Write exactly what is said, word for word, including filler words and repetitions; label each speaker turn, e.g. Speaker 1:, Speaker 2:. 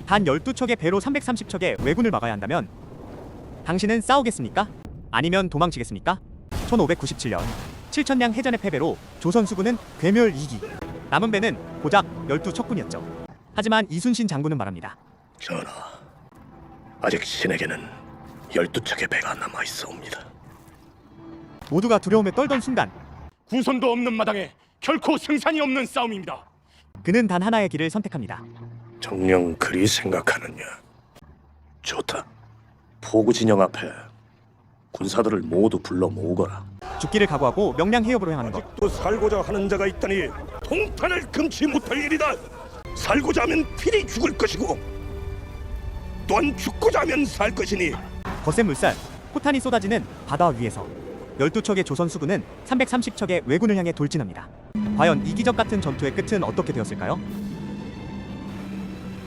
Speaker 1: 단 열두 척의 배로 삼백삼십 척의 왜군을 막아야 한다면 당신은 싸우겠습니까? 아니면 도망치겠습니까? 천오백구십칠 년 칠천량 해전의 패배로 조선 수군은 괴멸 이 기, 남은 배는 고작 열두 척뿐이었죠. 하지만 이순신 장군은 말합니다.
Speaker 2: 전하, 아직 신에게는 열두 척의 배가 남아있사옵니다.
Speaker 1: 모두가 두려움에 떨던 순간
Speaker 3: 구선도 없는 마당에 결코 승산이 없는 싸움입니다.
Speaker 1: 그는 단 하나의 길을 선택합니다.
Speaker 2: 정녕 그리 생각하느냐? 좋다. 포구 진영 앞에 군사들을 모두 불러 모으거라.
Speaker 1: 죽기를 각오하고 명량 해협으로 향하는 것.
Speaker 2: 또 살고자 하는 자가 있다니 통탄을 금치 못할 일이다. 살고자 하면 필히 죽을 것이고 또한 죽고자 하면 살 것이니.
Speaker 1: 거센 물살, 포탄이 쏟아지는 바다 위에서 열두 척의 조선 수군은 삼백삼십 척의 왜군을 향해 돌진합니다. 과연 이기적 같은 전투의 끝은 어떻게 되었을까요?